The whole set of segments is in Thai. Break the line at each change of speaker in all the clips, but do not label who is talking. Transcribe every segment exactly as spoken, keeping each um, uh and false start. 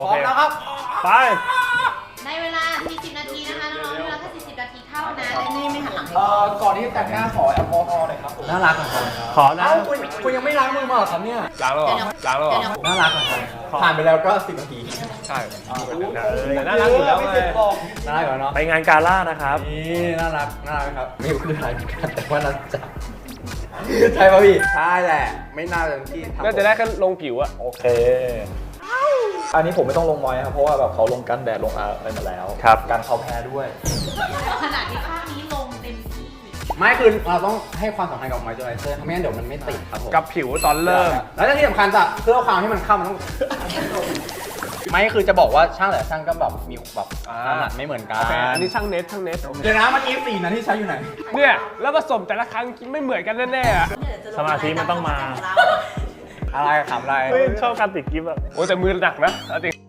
พร้อมแล้วครับไป
ในเวลาสี่สิบนาทีนะคะน้องๆเวลาแค่สี่สิบนาทีเท่านั้นนี่ไม่หันหลังให้
เอ่อก่อนที่จะแต่งหน้าขอแอลกอฮอล์หน่อยครับน่ารักครับขอนะคุณคุณยังไม่ล้างมือมาหรอครับเนี่ยล้างแล้วหรอล้างแล้วหรอน่ารักครับผ่านไปแล้วก็สิบนาทีใช่น่ารักอยู่แล้วไงน่ารักอยู่แล้วเนาะไปงานกาล่านะครับนี่น่ารักน่ารักครับไม่รู้คืออะไรแต่ว่าน่าจะใช่ป่ะพี่ใช่แหละไม่น่าจะที่น่าจะได้แค่ลงผิวอะโอเคอันนี้ผมไม่ต้องลงมอยครับเพราะว่าแบบเขาลงกันแดดลงอะไรมาแล้วครับการเขาแพ้ด้วย
ขนาดที่ข้างนี้ลงเต็มที่
ไม่คือเราต้องให้ความสำคัญกับมอยเจอไรเซอร์ไม่งั้นเดี๋ยวมันไม่ติดครับผม
กับผิวตอนเริ่ม
แล้วที่สำคัญจะเพื่อความให้มันเข้ามันต้องไม่คือจะบอกว่าช่างแต่ช่างก็แบบมีแบบถนัดไม่เหมือนกัน
อันนี้ช่างเน็ตช่างเน็ต
เดี๋ยวนะเมื่อกี้สี่นะที่ใช้อยู่ไหน
เนี่ยแล้วผสมแต่ละครั้งไม่เหมือนกันแน่ๆอะ
สมาธิมันต้องมา
อะไรขำอะไร
ชอบการติดกิฟต์แบบโอ้แต่มือหนักนะจริง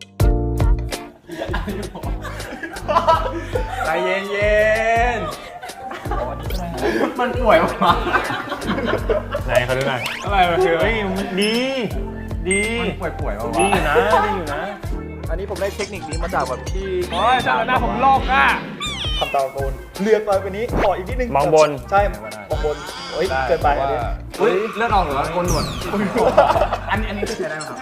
ใจเย็นเย็นมันป่วยวะ
ไหนเขาดูหน่อย
อะไรมาคือเฮ้ย
ดีดี
มันป่วยป่วยวะ
ดีอยู่นะดีอยู่นะ
อันนี้ผมได้เทคนิคนี้มาจากแบบที่
โอ้ยช่างหน้าผมลอกอ่ะ
ทำตาโกนเลือกไปวันนี้ขออีกนิดนึง
มองบน
ใช่มองบนเฮ้ยเกินไปอันนี้เฮ้ยเลือดออกหรือว่าโกนหนวดอันนี้อันนี้จะใช้ได้ไหมครับ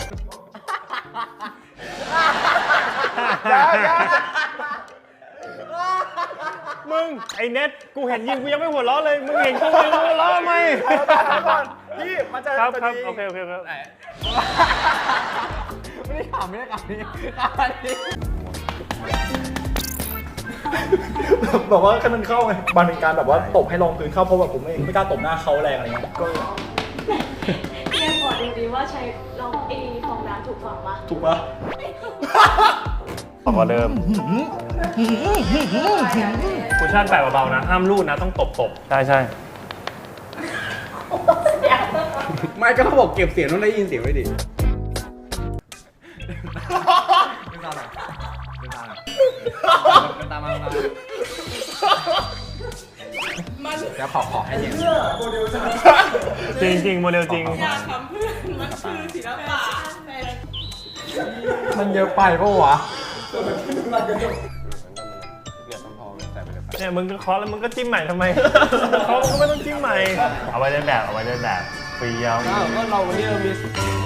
มึงไอเน็ตกูเห็นยิงกูยังไม่หัวเราะเลยมึงเห็นกูยังหัวเราะไหม
พี่มันจะ
ครับครับโอเคโอเคครับ
ไม่ได้ถามไม่ได้ถามนี่อันนี้บอกว่าแค่มันเข้าไงมันเป็นการแบบว่าตบให้รองพื้นเข้าเพราะแบบผมไม่ไม่กล้าตบหน้าเขาแรงอะไรเงี้ยก็
พี่ยังขอดูดีว่าใช้ลองเอฟองน้ำถูกฝั่งปะ
ถูกปะ
บอกว่าเริ่มคุชชั่นแปะเบาๆนะห้ามลูดนะต้องตบตบใช่ใช่
ไม่ก็เขาบอกเก็บเสียงต้องได้ยินเสียงไว้ดิตามมาเดี๋ยวขอขอให้เย็น
จริงจริงโมเดลจริง
อยากทำเพื่อนมันคือศิลปะ
มันเยอะไปปะวะ
เนี่ยมึงก็เคาะแล้วมึงก็จิ้มใหม่ทำไมเคาะมึงก็ไม่ต้องจิ้มใหม่เอาไว้เล่นแบบเอาไว้เล่นแบบฟรีเอา
ก็เราวันนี้เรามี